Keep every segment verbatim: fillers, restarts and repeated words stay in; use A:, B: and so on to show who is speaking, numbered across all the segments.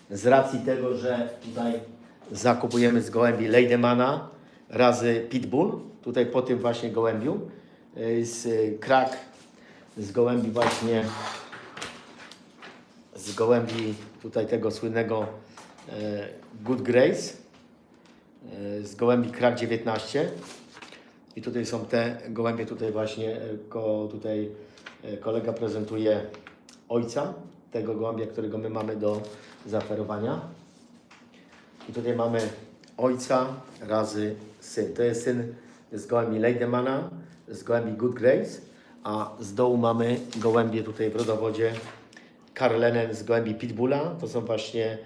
A: z racji tego, że tutaj zakupujemy z gołębi Leidemana razy Pitbull, tutaj po tym właśnie gołębiu, z krak z gołębi właśnie, z gołębi tutaj tego słynnego e, Good Grace, e, z gołębi krak dziewiętnaście i tutaj są te gołębie, tutaj właśnie e, ko, tutaj e, kolega prezentuje ojca tego gołębia, którego my mamy do zaoferowania. I tutaj mamy ojca razy syn. To jest syn z gołębi Leidemana, z gołębi Good Grace, a z dołu mamy gołębie tutaj w rodowodzie Karlenen z gołębi Pitbulla. To są właśnie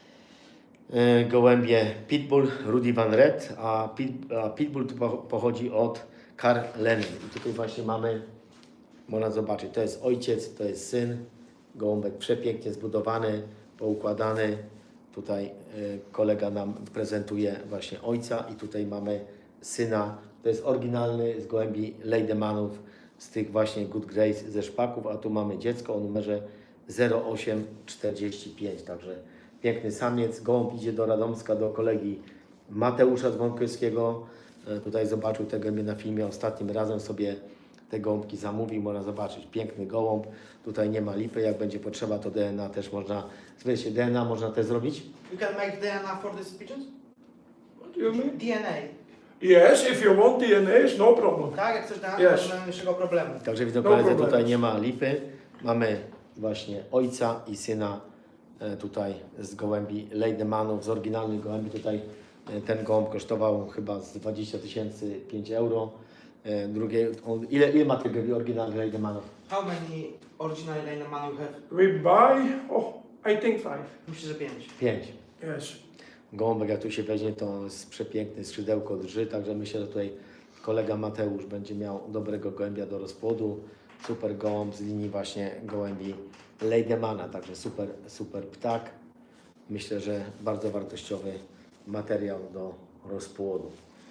A: y, gołębie Pitbull, Rudy Van Red, a, Pit, a Pitbull tu pochodzi od Karlenen. I tutaj właśnie mamy, można zobaczyć, to jest ojciec, to jest syn. Gołąbek przepięknie zbudowany, poukładany. Tutaj y, kolega nam prezentuje właśnie ojca i tutaj mamy syna. To jest oryginalny z gołębi Leidemanów, z tych właśnie Good Grace ze szpaków, a tu mamy dziecko o numerze zero osiem czterdzieści pięć. Także piękny samiec. Gołąb idzie do Radomska, do kolegi Mateusza Dzwonkowskiego. Y, tutaj zobaczył te gołębie na filmie. Ostatnim razem sobie te gołąbki zamówił. Można zobaczyć piękny gołąb. Tutaj nie ma lipy. Jak będzie potrzeba, to D N A też można, wiecie, D N A można też zrobić.
B: You can make D N A for these pigeons?
C: What do you mean?
B: D N A.
C: Yes, if you want D N A, it's no problem.
B: Tak, jak coś D N A,
C: Yes.
B: to nie ma najmniejszego problemu.
A: Także widzą
C: No
A: koledzy,
C: problem.
A: tutaj nie ma lipy. Mamy właśnie ojca i syna e, tutaj z gołębi Leidemanów, z oryginalnych gołębi. Tutaj e, ten gołąb kosztował chyba z dwadzieścia tysięcy pięć euro. E, drugie, on, ile, ile ma tych oryginalnych Leidemanów?
B: How many original Leideman you have?
C: We buy, oh, I think five.
B: Myślę, że pięć.
A: Pięć.
C: Yes.
A: Gołąbek jak tu się weźmie, to jest przepiękny, skrzydełko drży, także myślę, że tutaj kolega Mateusz będzie miał dobrego gołębia do rozpłodu. Super gołąb z linii właśnie gołębi Leidemana, także super, super ptak. Myślę, że bardzo wartościowy materiał do rozpłodu.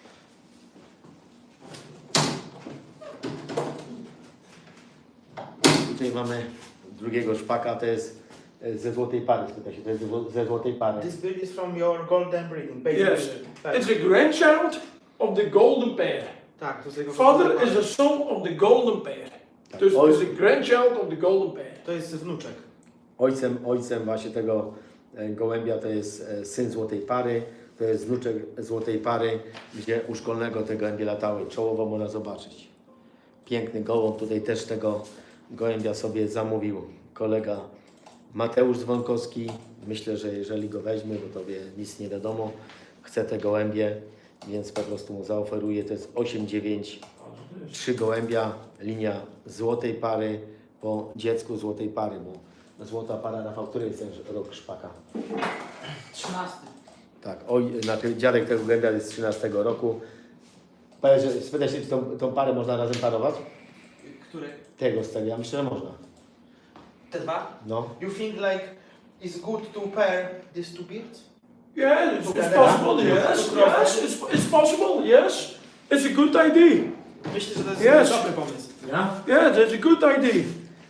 A: Tutaj mamy drugiego szpaka, to jest ze złotej pary, spyta się, to jest ze złotej pary.
B: This breed is from your golden breeding. Baby
C: Yes.
B: breed. Tak.
C: It's a grandchild of the golden pair.
B: Tak, to jest jego
C: Father is a son of the golden pair.
A: Tak.
C: Dus
A: Oj-
C: it's a grandchild of the golden pair.
B: To jest wnuczek.
A: Ojcem, ojcem właśnie tego e, gołębia to jest e, syn złotej pary, to jest wnuczek złotej pary, gdzie u szkolnego te gołębie latały. Czołowo można zobaczyć. Piękny gołąb, tutaj też tego gołębia sobie zamówił kolega Mateusz Dzwonkowski. Myślę, że jeżeli go weźmie, bo tobie nic nie wiadomo, chce te gołębie, więc po prostu mu zaoferuję. To jest osiem dziewięć, trzy gołębia, linia złotej pary po dziecku złotej pary, bo złota para, Rafał, który jest ten rok szpaka?
B: trzynasty.
A: Tak, oj, znaczy dziadek tego gołębia jest z trzynastego roku. Powiedz, że spytaj się, czy tą, tą parę można razem parować?
B: Który?
A: Tego z tego, ja myślę, że można.
B: Te dwa?
A: No.
B: You think like it's good to pair these two beards?
C: Yeah, it's, it's
B: Together.
C: possible,
B: Yeah.
C: yes. Yes, it's, it's possible, yes. It's a good idea.
B: Myślę, że to jest
C: Yes.
B: dobry pomysł.
A: Ja?
C: Yeah, that's a good idea.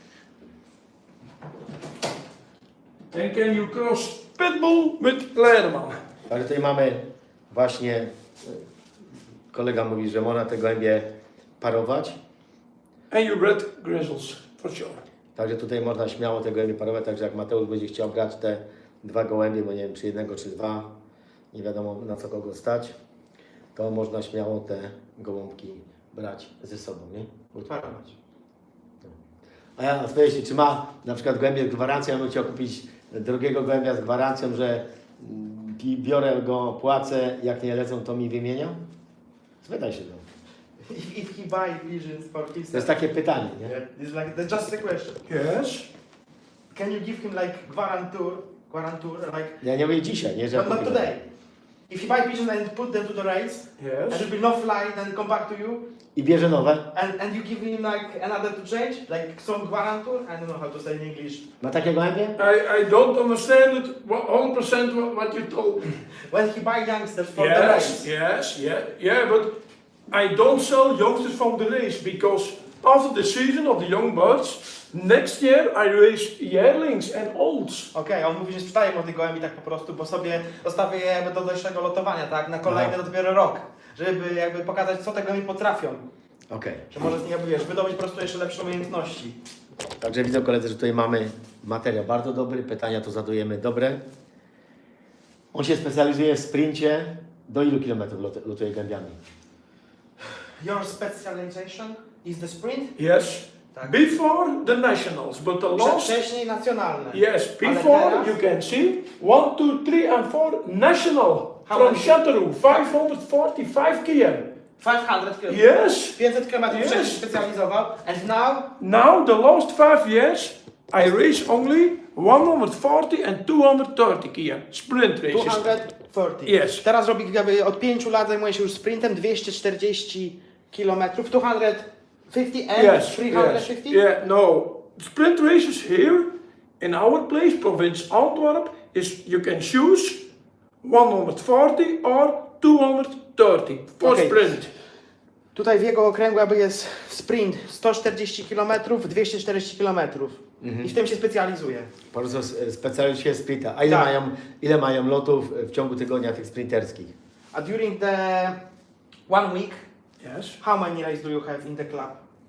C: And can you cross Pitbull with Leideman?
A: Ale tutaj mamy właśnie, e, kolega mówi, że można te gołębie parować.
C: And you bred grizzles, for sure.
A: Także tutaj można śmiało te gołębie parować, także jak Mateusz będzie chciał brać te dwa gołębie, bo nie wiem czy jednego czy dwa, nie wiadomo na co kogo stać, to można śmiało te gołąbki brać ze sobą, nie?
B: Parować.
A: A ja spytam się, czy ma na przykład gołębie z gwarancją, ja bym chciał kupić drugiego gołębia z gwarancją, że mm, pi- biorę go, płacę, jak nie lecą, to mi wymienia? Spytaj się go.
B: If, if he buy pigeons for himself.
A: To jest takie pytanie, nie?
B: Yeah, it's like that's just a question.
C: Yes.
B: Can you give him like guarantor, guarantor, like
A: Ja nie mówię dzisiaj, nie? Że
B: but not
A: kupię.
B: today. If you buy pigeons and put them to the race, and
C: Yes.
B: it will not fly, then come back to you,
A: I bierze nowe.
B: and, and you give him like another to change, like some guarantor. I don't know how to say in English.
A: Ma takie gołębie?
C: I, I don't understand it one hundred percent what, what you told me.
B: When he buy youngsters for the race.
C: Yes, yes, yeah, yeah, but I don't sell youngsters from the race because after the season of the young birds, Next year I raise yearlings and olds.
B: Okej, on mówi, że sprzedaje młodych gołębi tak po prostu, bo sobie zostawię je jakby do dalszego lotowania, tak? Na kolejny
A: Aha.
B: dopiero rok. Żeby jakby pokazać, co te gołębie potrafią.
A: Okej.
B: Że może z nich jakby, wiesz, wydobyć po prostu jeszcze lepsze umiejętności.
A: Także widzą koledzy, że tutaj mamy materiał bardzo dobry, pytania to zadajemy dobre. On się specjalizuje w sprincie. Do ilu kilometrów lot- lotuje gołębiami?
B: Your specialization is the sprint?
C: Yes.
B: Tak.
C: Before the nationals, but the
B: Prze-
C: last.
B: Wcześniej nacjonalne.
C: Yes,
B: Ale
C: before
B: teraz?
C: you can see one, two, three, and four national
B: How
C: from
B: many?
C: Chateauroux, five hundred forty-five kilometers.
B: pięćset kilometrów.
C: Yes.
B: pięćset kilometrów
C: Yes.
B: wcześniej specjalizował. And now?
C: Now the last five years I race only one hundred forty and two hundred thirty kilometers sprint races.
B: dwieście czterdzieści.
C: Yes.
B: Teraz robi jakby od pięciu lat zajmuje się już sprintem dwieście czterdzieści kilometrów. dwieście pięćdziesiąt and
C: Yes,
B: trzysta
C: yes,
B: pięćdziesiąt?
C: yeah, no. Sprint races here in our place, province Antwerp, is you can choose one hundred forty or two hundred thirty for
B: Okay.
C: sprint.
B: Tutaj w jego okręgu jakby jest sprint sto czterdzieści kilometrów, dwieście czterdzieści kilometrów. I w tym się specjalizuje.
A: Po prostu s- specjalizuje się w sprinta. A ile,
B: Tak.
A: mają, ile mają lotów w ciągu tygodnia tych sprinterskich?
B: A during the one week,
C: Yes.
B: how many races do you have in the club?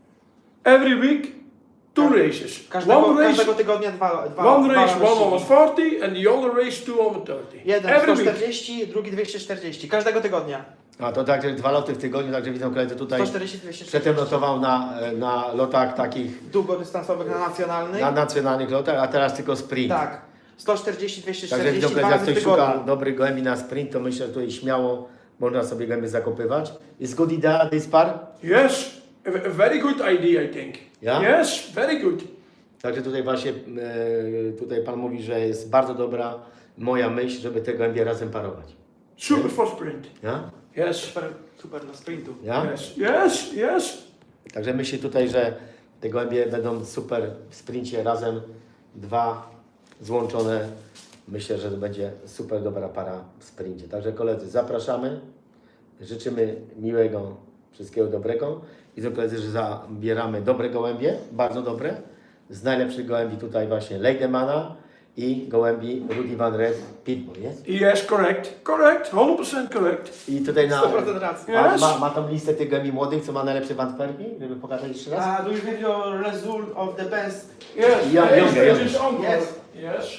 C: Every week, two
B: Ka-
C: races.
B: Każdego,
C: one race,
B: każdego tygodnia dwa, dwa
C: one
B: dwa
C: race
B: wyścigi.
C: one hundred forty and the other race two hundred thirty.
B: Jeden
C: Every
B: sto
C: week.
B: czterdzieści, drugi dwieście czterdzieści. Każdego tygodnia.
A: A to także dwa loty w tygodniu, także widzą koledzy tutaj.
B: sto czterdzieści, dwieście
A: Przedtem
B: czterdzieści.
A: lotował na, na lotach takich,
B: Długodystansowych na nacjonalnych.
A: na nacjonalnych lotach, a teraz tylko sprint.
B: Tak. sto czterdzieści, dwieście
A: Także widzą
B: czterdzieści, dwa
A: koledzy, jak
B: razy w
A: ktoś szuka
B: tygodniu.
A: dobrych gołębi na sprint, to myślę, że tutaj śmiało można sobie gołębie zakopywać. Is good idea this par?
C: Yes, a, a very good idea, I think.
A: Yeah?
C: Yes, very good.
A: Także tutaj właśnie e, tutaj Pan mówi, że jest bardzo dobra moja myśl, żeby te gołębie razem parować.
C: Super for sprint.
A: Ja?
C: Yes.
B: Super, super na sprintu.
A: Ja?
C: Yes, yes, yes.
A: Także myślę tutaj, że te gołębie będą super w sprincie razem, dwa złączone. Myślę, że to będzie super dobra para w sprincie. Także koledzy, zapraszamy. Życzymy miłego, wszystkiego dobrego. I do koledzy, że zabieramy dobre gołębie, bardzo dobre. Z najlepszych gołębi tutaj właśnie Leidemana i gołębi Rudy van Red Pitbull, jest?
C: Yes, correct. Correct. one hundred percent correct.
A: I tutaj na...
B: sto procent racji.
A: Ma,
C: Yes.
A: ma, ma tą listę tych gołębi młodych, co ma najlepsze w Antwerpii? Żeby pokazać jeszcze raz?
B: Uh, do you have your result of the best?
C: Yes,
A: Yeah,
C: yes,
A: younger,
C: yes,
A: younger.
C: it's on
B: Yes.
C: Yes.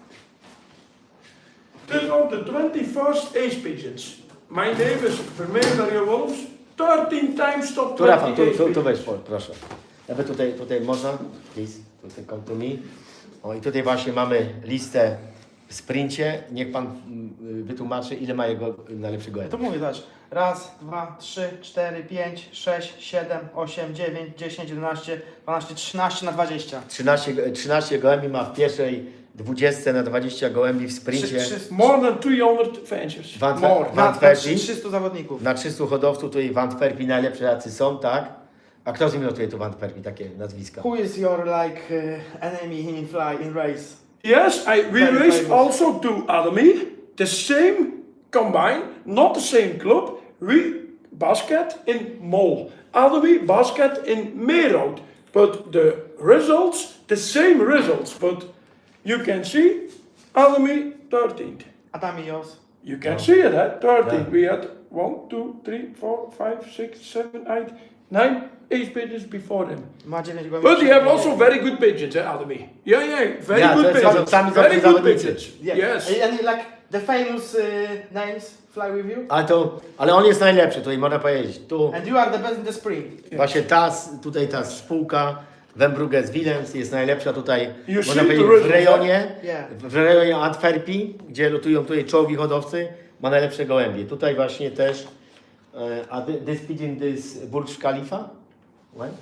C: This on the twenty-first ace pigeons. My name is Vermeer Mario Wolfs. thirteen times top
A: Tu Rafał, tu,
C: twenty
A: tu,
C: ace
A: tu weź,
C: pigeons.
A: po- proszę. Nawet tutaj, tutaj można, please, tutaj come to me. O i tutaj właśnie mamy listę w sprincie. Niech Pan mm, wytłumaczy, ile ma jego najlepszy gołębi.
B: To mówię, zobacz. Raz, dwa, trzy, cztery, pięć, sześć, siedem, osiem, dziewięć, dziesięć, jedenaście, dwanaście, trzynaście na dwadzieścia.
A: trzynaście, go- trzynaście gołębi ma w pierwszej dwudziestce na dwadzieścia gołębi w sprincie.
B: Trzy- trzy-
C: More than three hundred fancies.
A: Van-
C: More.
A: Van-
B: Na
A: Antwerpii?
B: trzystu zawodników.
A: Na trzystu hodowców tutaj w Antwerpii najlepsi jacy są, tak? A kto z nimi lotuje tu w Antwerpii, takie nazwiska?
B: Who is your like uh, enemy in fly in race?
C: Yes, I, we
B: Very
C: race
B: famous.
C: also to Ademy, the same combine, not the same club. We basket in Mol, Ademy basket in Meerhout, but the results, the same results, but you can see Ademy thirteenth.
B: Adamios.
C: You can
A: Yeah.
C: see it, eh? thirteenth.
A: Yeah.
C: We had one, two, three, four, five, six, seven, eight, nine ace pigeons before him.
B: Ma dziewięć gołębi.
C: But they have also very good pigeons, eh, Ademy? Yeah, yeah, very
A: Yeah,
C: good
A: to jest-
C: pigeons.
A: sami
C: Very
A: dobrze
C: good
A: zawodnicy.
C: pigeons.
B: Yeah.
C: Yes.
B: And like the famous uh, names fly with you?
A: Ale, to, ale on jest najlepszy, tutaj można powiedzieć. Tu
B: And you are the best in the sprint.
A: właśnie ta, s- tutaj ta spółka Wembruges Willems jest najlepsza tutaj,
C: You
A: można
C: see
A: powiedzieć,
C: the
A: w
C: results,
A: rejonie,
B: Yeah.
A: w rejonie Antwerpii, gdzie lotują tutaj czołowi hodowcy, ma najlepsze gołębie. Tutaj właśnie też, e, a thi- this pigeon this Burj Khalifa? What?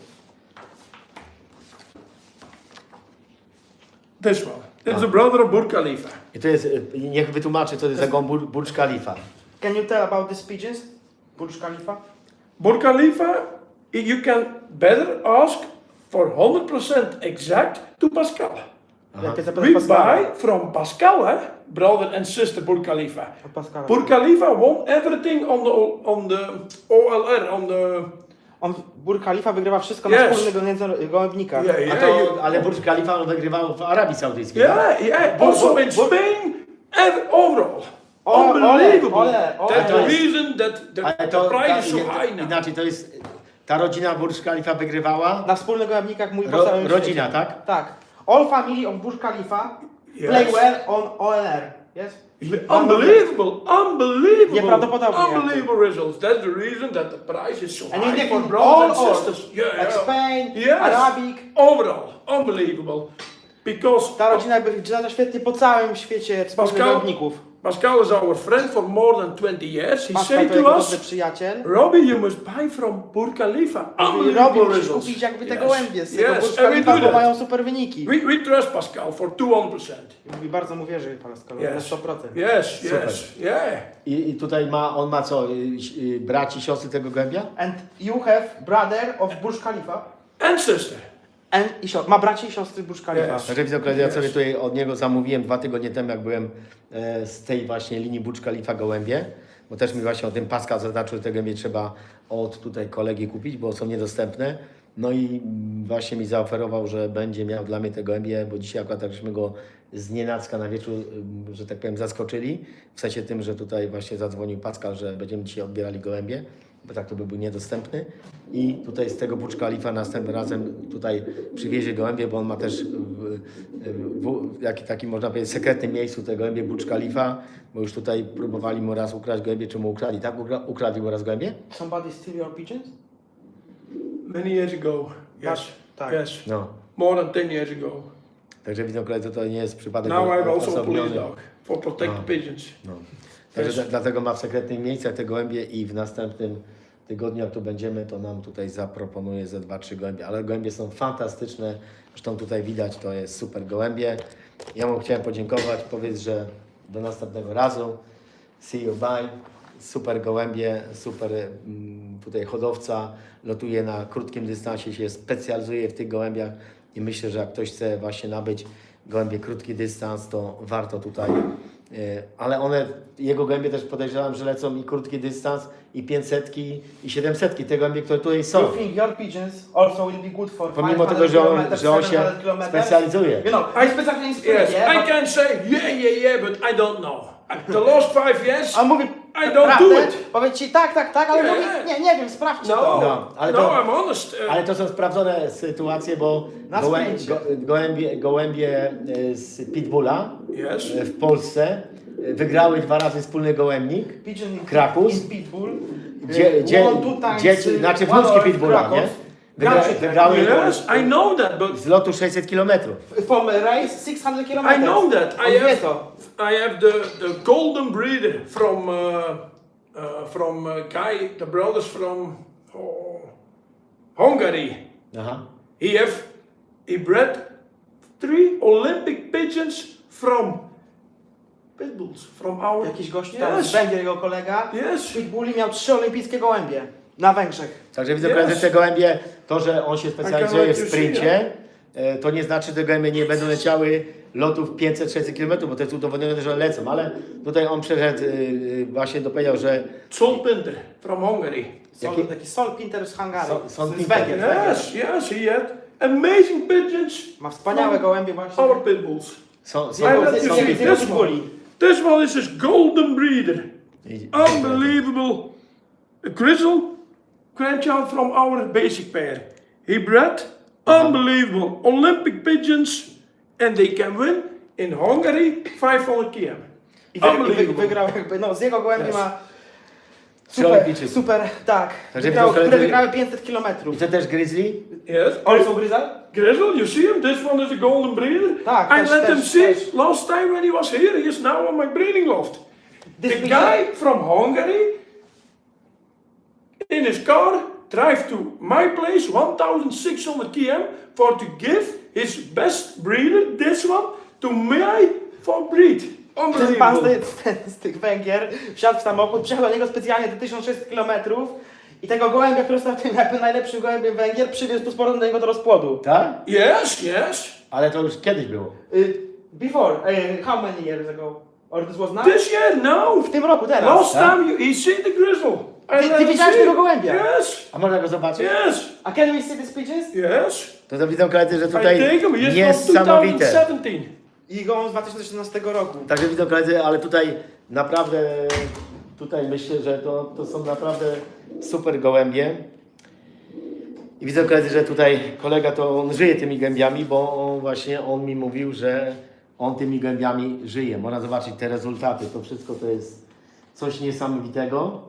C: This one. It's the brother of Burj Khalifa.
A: I to jest, e, niech wytłumaczy, co to jest za gołąb Bur- Burj Khalifa.
B: Can you tell about these pigeons? Burj Khalifa?
C: Burj Khalifa, you can better ask for one hundred percent exact to Pascal.
A: Aha.
B: Jakie
C: We
B: zapytasz Pascala?
C: buy from Pascal, eh? Brother and sister Burj Khalifa.
B: Od Pascala.
C: Burj Khalifa won everything on the on the O L R, on the
B: On, Burj Khalifa wygrywa wszystko na
C: Yes.
B: wspólnych gołębni- gołębnikach.
C: Yeah,
A: A
C: yeah,
A: to,
C: you-
A: ale Burj Khalifa on wygrywał w Arabii Saudyjskiej. tak?
C: yeah, yeah.
B: But-
C: Also
B: but-
C: in
B: but-
C: Spain, ev- overall.
B: Ole,
C: Unbelievable.
B: ole, ole,
C: That's the
A: ole.
C: reason that the,
A: Ale
C: the
A: to,
C: price
A: ta,
C: is so high now.
A: inaczej, to jest, ta rodzina Burj Khalifa wygrywała,
B: Na wspólnych gołębnikach mój po
A: Ro,
B: całym
A: rodzina,
B: świecie.
A: tak?
B: Tak. All family of Burj Khalifa
C: Yes.
B: play well on O L R. Yes?
C: Unbelievable, unbelievable,
B: Nieprawdopodobnie.
C: unbelievable results. That's the reason that the price is so
B: And in
C: high
B: the
C: for
B: all
C: brothers and
B: or
C: sisters. Yeah,
B: like
C: yeah.
B: Spain,
C: Yes.
B: Arabic.
C: Overall, unbelievable. Because
B: Ta rodzina jakby wygląda świetnie po całym świecie wspólnych
C: Pascal-
B: gołębników.
C: Pascal is our friend for more than twenty years. He
B: Pascal
C: said
B: to
C: to
B: jego
C: us,
B: dobry przyjaciel.
C: Robbie, you must buy from Burj Khalifa.
B: Mówi,
C: Unbelievable
B: Robi, musisz
C: results.
B: kupić jakby te
C: Yes.
B: gołębie z tego
C: Yes,
B: Burj
C: and we
B: Khalifa,
C: do
B: bo
C: that.
B: mają super wyniki.
C: We, we trust Pascal for two hundred percent.
B: Mówi, bardzo mu wierzy Pascal, na
C: Yes.
B: sto procent.
C: Yes,
A: Super.
C: yes, yeah.
A: I, I tutaj ma, on ma co, y, y, braci, siostry tego gołębia?
B: And you have brother of Burj Khalifa.
C: And sister.
B: And i siostry. Ma braci i siostry Burj Khalifa.
C: Yes.
A: Także widzę, ja sobie tutaj od niego zamówiłem dwa tygodnie temu, jak byłem e, z tej właśnie linii Burj Khalifa gołębie, bo też mi właśnie o tym Pascal zaznaczył, że te gołębie trzeba od tutaj kolegi kupić, bo są niedostępne. No i mm, właśnie mi zaoferował, że będzie miał dla mnie te gołębie, bo dzisiaj akurat tak żeśmy go z nienacka na wieczór, ym, że tak powiem, zaskoczyli. W sensie tym, że tutaj właśnie zadzwonił Pascal, że będziemy dzisiaj odbierali gołębie, bo tak to by był niedostępny. I tutaj z tego Burj Khalifa następnym razem tutaj przywiezie gołębie, bo on ma też w, w, w jaki, takim można powiedzieć sekretnym miejscu te gołębie Burj Khalifa, bo już tutaj próbowali mu raz ukraść gołębie, czy mu ukradli, tak? Ukra- Ukradli mu raz gołębie?
B: Somebody steal your pigeons?
C: Many years ago. Yes.
B: Tak.
C: Yes.
A: No.
C: More than ten years ago.
A: Także widzą koledzy, to nie jest przypadek
C: Now I have also a
A: odosobniony.
C: police dog for protect
A: No.
C: the pigeons.
A: No. Także
C: Yes.
A: dla- dlatego ma w sekretnych miejscach te gołębie i w następnym tygodniu, jak tu będziemy, to nam tutaj zaproponuje ze dwa, trzy gołębie. Ale gołębie są fantastyczne. Zresztą tutaj widać, to jest super gołębie. Ja mu chciałem podziękować, powiedz, że do następnego razu. See you, bye. Super gołębie, super mm, tutaj hodowca. Lotuje na krótkim dystansie, się specjalizuje w tych gołębiach i myślę, że jak ktoś chce właśnie nabyć gołębie krótki dystans, to warto tutaj. e, Ale one, jego gołębie też podejrzewam, że lecą i krótki dystans, i pięćsetki, i siedemsetki. Te gołębie, które tutaj są.
B: You think your pigeons also will be good for
A: Pomimo
B: five
A: tego,
B: hundred
A: że on,
B: kilometers,
A: że on się
B: seven hundred kilometers?
A: specjalizuje.
B: You know, I specjalnie inspiruje,
C: Yes, I
B: but-
C: can say yeah, yeah, yeah, but I don't know. The last five years,
B: A on mówi,
C: I don't
B: prawdę,
C: do it.
B: powie ci tak, tak, tak, ale
C: Nie.
B: mówi, nie, nie wiem, sprawdźcie
C: No,
B: to.
A: No, ale
C: no,
A: to-
C: I'm honest. Uh,
A: Ale to są sprawdzone sytuacje, bo
B: Na
A: gołę,
B: sprzęcie.
A: go, gołębie, gołębie e, z Pitbulla
C: yes.
A: e, w Polsce e, wygrały dwa razy wspólny gołębnik.
B: Pigeon in,
A: Krakus.
B: in Pitbull.
A: Dzie, dzie,
B: One, two times,
A: dzieci,
B: y,
A: znaczy
B: one
A: wnuczki
B: or
A: Pitbulla,
B: Krakus.
A: nie? Wygra,
B: Gracze
A: wygrały
C: Yes, I know that, but
A: z lotu sześćset kilometrów.
B: From a race six hundred kilometers.
C: I know that.
B: On
C: I
B: wie
C: have,
B: to.
C: I have the, the golden breeder from uh, uh, from uh, Kai, the brothers from oh, Hungary.
A: Aha.
C: He have he bred three Olympic pigeons from pitbulls from our
B: Jakiś gość tam z
C: yes,
B: Węgier, jego kolega.
C: yes.
B: Pitbulli miał trzy olimpijskie gołębie. Na Węgrzech.
A: Także widzę,
C: Yes.
A: koledzy, te gołębie, to, że on się specjalizuje w
C: like you
A: sprincie, e, to nie znaczy, że te gołębie nie będą leciały lotów pięćset sześćset kilometrów, bo to jest udowodnione, że one lecą, ale tutaj on przeszedł, y, y, właśnie dopowiedział, że
C: Sol Pinter from Hungary.
B: Sol,
A: Jaki-
B: taki Sol Pinter z Hungarii.
A: Sol- Sol
B: z
A: Pinter.
B: Węgier. z Węgier.
C: Yes, yes, he had amazing pigeons.
B: Ma wspaniałe gołębie właśnie.
C: Our pitbulls.
A: są,
B: Z
A: są,
B: jego,
C: I
B: z,
C: let
B: z,
C: you
B: z,
C: see
B: z jego
C: this
B: pitbulli.
C: This one is his golden breeder.
A: I-
C: Unbelievable. A grizzle grandchild from our basic pair. He bred unbelievable Olympic pigeons and they can win in Hungary five hundred kilometers.
B: I wy, i wy,
C: Unbelievable.
B: wygrał jakby, no z jego gołębi
C: Yes.
B: ma
A: Trzy
B: super,
A: olimpijczycy.
B: super, tak.
A: Także
B: Wygrał,
A: widzą,
B: które
A: koledzy-
B: wygrały pięćset
A: I
B: kilometrów.
A: to też grizzly?
C: Yes.
B: Also Gryza?
C: Grizzle, you see him? This one is a golden breeder.
B: Tak,
C: I
B: też-
C: let him
B: też-
C: see
B: też.
C: last time when he was here. He is now on my breeding loft.
B: This
C: The
B: picture-
C: guy from Hungary in his car drive to my place one thousand six hundred kilometers for to give his best breeder, this one, to me for breed.
B: Ten pan z,
C: Unbelievable.
B: ty- z, z tych Węgier wsiadł w samochód, przyjechał do niego specjalnie te tysiąc sześćset kilometrów i tego gołębia, który stał tym jakby najlepszym gołębiem Węgier, przywiózł tu z powrotem do niego do rozpłodu.
A: Tak?
C: Yes, yes.
A: Ale to już kiedyś było.
B: Y, before, y, how many years ago? Or this was now?
C: This year, no.
B: W tym roku, teraz.
C: Last
A: Huh?
C: time you, he see the grizzle. I
B: Ty-
C: let
B: ty
C: him
B: widziałeś
C: see.
B: tego gołębia?
C: Yes,
A: A można go zobaczyć?
C: yes,
B: A can we see these pigeons?
C: yes.
A: To, to widzą koledzy, że
C: I
A: tutaj
C: take him. He is from two
A: niesamowite.
C: thousand seventeen.
B: I go z dwa tysiące szesnastego roku.
A: Także widzą koledzy, ale tutaj naprawdę, tutaj myślę, że to, to są naprawdę super gołębie. I widzę koledzy, że tutaj kolega to on żyje tymi gębiami, bo on właśnie on mi mówił, że on tymi gębiami żyje. Można zobaczyć te rezultaty. To wszystko to jest coś niesamowitego.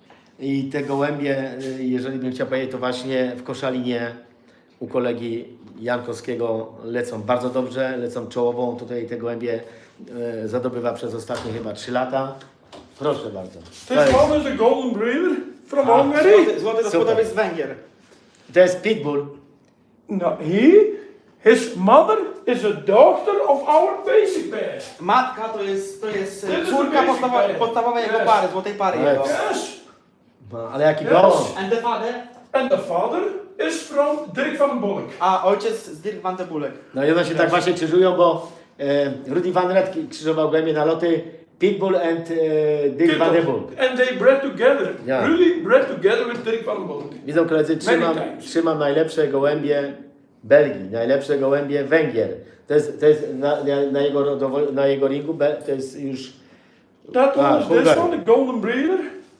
A: I te gołębie, y, jeżeli bym chciał powiedzieć, to właśnie w Koszalinie u kolegi Jankowskiego lecą bardzo dobrze, lecą czołową. Tutaj te gołębie y, zadobywa przez ostatnie chyba trzy lata. Proszę bardzo. To
C: This
A: jest,
C: one is a golden breeder from
A: Ah,
C: Hungary.
B: Złoty, złoty
A: Super.
B: gospodarz z Węgier.
A: to jest pitbull.
C: No, he, his mother is a daughter of our basic bear.
B: Matka to jest, to jest
C: To
B: e,
C: jest
B: córka
C: basic
B: podstawowa,
C: bear.
B: podstawowej jego
C: Yes.
B: pary, złotej pary
A: Ale-
B: jego.
C: Yes.
A: No, ale jaki
C: Yes.
A: gołąb.
B: And the father?
C: And the father is from Dirk van den Bolk.
B: A ojciec z Dirk van de Bulek.
A: No i one się tak właśnie krzyżują, bo e, Rudy Van Red krzyżował gołębie na loty Pitbull and e, Dick Van de Bulk.
C: And they bred together.
A: Yeah.
C: Really bred together with Dirk van den Bolk.
A: Widzą koledzy, trzymam,
C: Many times.
A: trzymam najlepsze gołębie Belgii, najlepsze gołębie Węgier. To jest, to jest na, na, na, jego, rodowo- na jego ringu, be- to jest już...
C: That one
A: Ah,
C: is this
A: Hungary.
C: one, the golden breeder.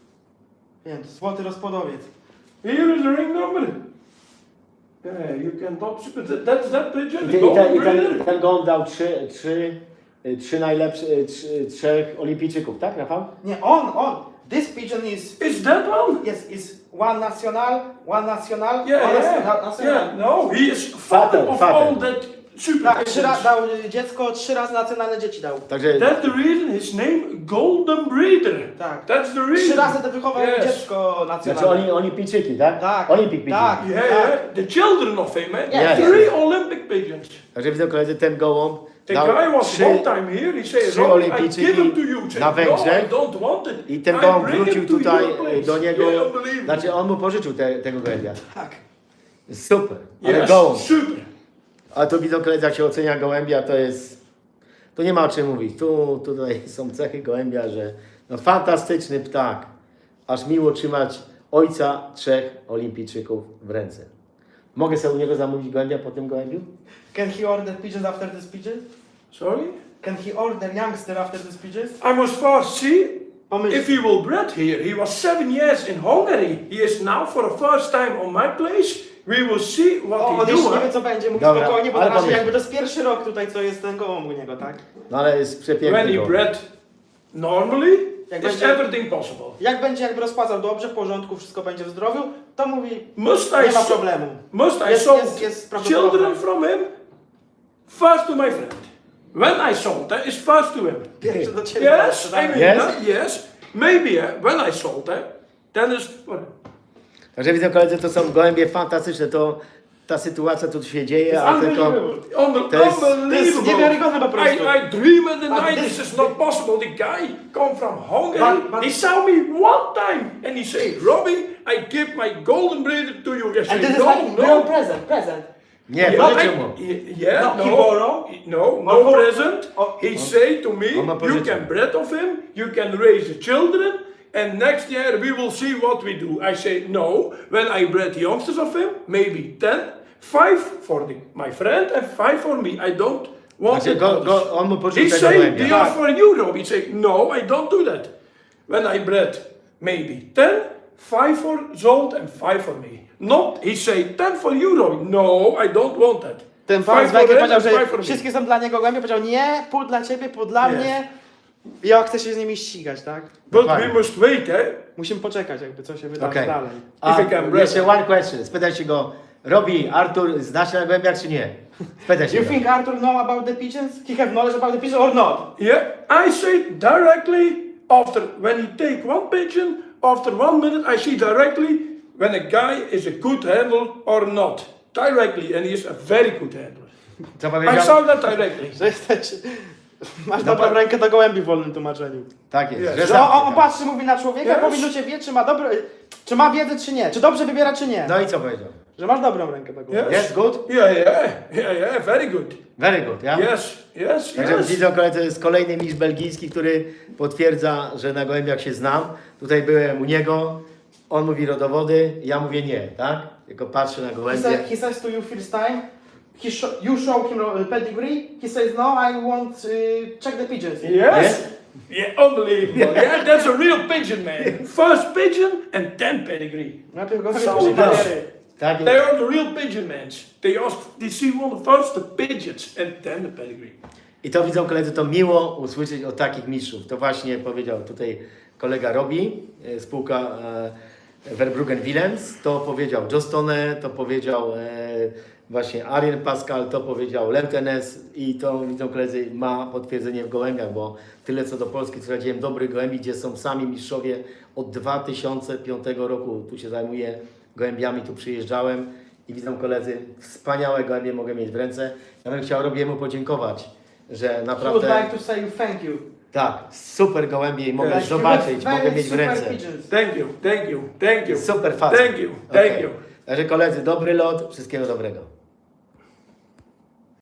B: Wiem, złoty rozpłodowiec.
C: Here is the ring number. Yeah, you can top but that- that's that pigeon,
A: I,
C: the
A: ten, i,
C: golden
A: ten, i ten,
C: breeder.
A: ten gołąb dał trzy, trzy, y, trzy najlepsze, y, trzy, trzech olimpijczyków, tak Rafał?
B: Nie, on, on. This pigeon is,
C: Is that one?
B: yes, is one national, one national,
C: Yeah,
B: one
C: yeah,
B: national. national.
C: yeah. No, he is father
A: Father,
C: of
A: father.
C: all that super
B: Tak, trzy
C: pigeons.
B: razy dał y, dziecko, trzy razy nacjonalne dzieci dał.
A: Także
C: That's the reason his name Golden Breeder.
B: Tak.
C: That's the reason.
B: Trzy razy to wychował
C: Yes.
B: dziecko
A: znaczy
B: nacjonalne.
A: oni, olimpijczyki, tak?
B: Tak,
A: Olympic pigeon.
B: tak.
C: Yeah, yeah. The children of him, eh?
B: Yeah,
C: Three Olympic pigeons.
A: Także widzą koledzy, ten gołąb
C: The
A: dał
C: guy was
A: trzy,
C: one time here, he said,
A: trzy
C: Robbie, I
A: olimpijczyki
C: give him to you. He
A: na
C: said, no,
A: Węgrzech.
C: I don't want it.
A: I ten
C: I
A: gołąb
C: bring
A: wrócił
C: it to
A: tutaj
C: your place.
A: do niego,
C: Yeah, unbelievable.
A: znaczy on mu pożyczył te, tego gołębia.
B: Tak.
A: Super, ale
C: Yes,
A: gołąb.
C: super.
A: A tu widzą koledzy, jak się ocenia gołębia, to jest, to nie ma o czym mówić. Tu, tutaj są cechy gołębia, że no fantastyczny ptak. Aż miło trzymać ojca trzech olimpijczyków w ręce. Mogę sobie u niego zamówić gołębia po tym gołębiu?
B: Can he order pigeons after this pigeon?
C: Sorry?
B: Can he order youngster after this pigeons?
C: I must first see
B: Pomyśl.
C: if he will bred here. He was seven years in Hungary. He is now for the first time on my place. We will see what
B: O,
C: he
B: on
C: do.
B: jeszcze nie
C: eh?
B: wie co będzie, mówi
A: Dobra,
B: spokojnie, bo
A: ale
B: na razie
A: pomyśl.
B: jakby to jest pierwszy rok tutaj, co jest ten gołąb u niego, tak?
A: No ale jest
C: When
A: przepiękny
C: he
A: gołąb.
C: bred normally,
B: Jak
C: is
B: będzie-
C: everything possible.
B: Jak będzie jakby rozpłacał dobrze, w porządku, wszystko będzie w zdrowiu, to mówi,
C: Must I,
B: nie ma
C: so-
B: problemu.
C: must I
B: Jest-
C: sold
B: jest- jest prawdopodobne.
C: children from him? First to my friend. When I sold that is first to him.
B: Pierwszy do ciebie.
C: Yes, I mean
A: Yes?
C: that, yes. Maybe uh, when I sold that, then is for him.
A: Także widzą koledzy, to są gołębie fantastyczne. To ta sytuacja tu się dzieje, ale tylko...
C: Unbelievable.
A: To jest-
C: Unbelievable.
B: to jest niewiarygodne po prostu.
C: I, I dream in the
B: But
C: night,
B: this-
C: this is not possible. The guy come from Hungary,
B: But- but-
C: he saw me one time and he said, Robbie, I give my golden breeder to you. I
B: And
C: said,
B: this is
C: no,
B: like
C: no.
B: no present, present.
A: Nie,
C: Yeah,
A: pożyczył
C: I-
A: mu.
C: y- yeah,
B: No,
C: no,
B: he borrow?
C: no,
B: Oh,
C: no
B: for-
C: present.
B: oh.
C: He say to me,
A: On ma
C: you
A: pożyczył.
C: can breed of him, you can raise the children, and next year we will see what we do. I say, no, when I bred youngsters of him, maybe ten, five for the, my friend and five for me. I don't want
A: Znaczy
C: it.
A: go, go, on mu
C: He
A: pożyczył tego
C: say,
A: gołębia.
C: they are for you, Rob. He say, no, I don't do that. When I bred maybe ten, five for Zolt and five for me. Not, he say, ten for you, Rob. No, I don't want that.
B: Ten pan
C: Five
B: z
C: for
B: Węgier
C: them
B: powiedział,
C: and five
B: że
C: for me.
B: wszystkie są dla niego gołębie, powiedział nie, pół dla ciebie, pół dla
C: Yes.
B: mnie. I ja chcę się z nimi ścigać, tak?
C: But
A: Dokładnie.
C: we must wait, eh?
B: Musimy poczekać jakby co się wydarzy
A: Okej.
B: dalej.
A: A
C: If I can break-
A: jeszcze one question. Spytaj się go, Robi, Artur, znasz się na gołębiach czy nie? Spytaj się
B: You
A: go.
B: think Arthur know about the pigeons? He have knowledge about the pigeons or not?
C: Yeah, I say directly after when he take one pigeon, after one minute I see directly when a guy is a good handler or not. Directly, and he is a very good handler.
A: Co
C: I
A: powiedział?
C: saw that directly.
B: Że jesteś... Masz
A: No
B: dobrą
A: pa-
B: rękę do gołębi w wolnym tłumaczeniu.
A: Tak jest.
C: Yes.
A: Że
B: Że on,
A: sam
B: on patrzy, mówi na człowieka,
C: Yes.
B: po minucie wie, czy ma dobre... Czy ma wiedzę, czy nie. Czy dobrze wybiera, czy nie.
A: No i co powiedział?
B: Że masz dobrą rękę do gołębia.
C: Yes.
A: Yes, good?
C: Yeah, yeah, yeah, yeah, very good.
A: Very good, ja?
C: Yes, yes,
A: Także
C: yes.
A: widzą koledzy, to jest kolejny mistrz belgijski, który potwierdza, że na gołębiach się znam. Tutaj byłem u niego, on mówi rodowody, ja mówię nie, tak? Tylko patrzę na
B: He,
A: gołębie.
B: said, he says to you first time, he show, you show him uh, pedigree, he says no, I want uh, check the pigeons.
C: Yes. Yeah, unbelievable. Yeah, that's a real pigeon, man. First pigeon and then pedigree.
B: Najpierw gołębie,
C: So
B: później
C: does.
B: papiery.
A: Tak,
C: They are the real pigeon mans. They ask, they see one of first the pigeons and then the pedigree.
A: i to widzą koledzy, to miło usłyszeć od takich mistrzów. To właśnie powiedział tutaj kolega Robi, e, spółka e, Verbruggen Willems, to powiedział Jostone, to powiedział e, właśnie Arjen Pascal, to powiedział Leutenes i to widzą koledzy ma potwierdzenie w gołębiach, bo tyle co do Polski prowadziłem dobrych gołębi, gdzie są sami mistrzowie od dwa tysiące piątego roku, tu się zajmuję gołębiami, tu przyjeżdżałem i widzą koledzy, wspaniałe gołębie mogę mieć w ręce. Ja bym chciał Robiemu podziękować, że
B: He would
A: naprawdę
B: like to say thank you.
A: tak, super gołębie i mogę
C: Like,
A: zobaczyć,
B: You have
A: mogę
B: very
A: mieć w
B: super
A: ręce.
B: pigeons.
C: Thank you, thank you, thank you.
A: Super facet.
C: Thank you, thank
A: Okej.
C: you.
A: Także koledzy, dobry lot, wszystkiego dobrego.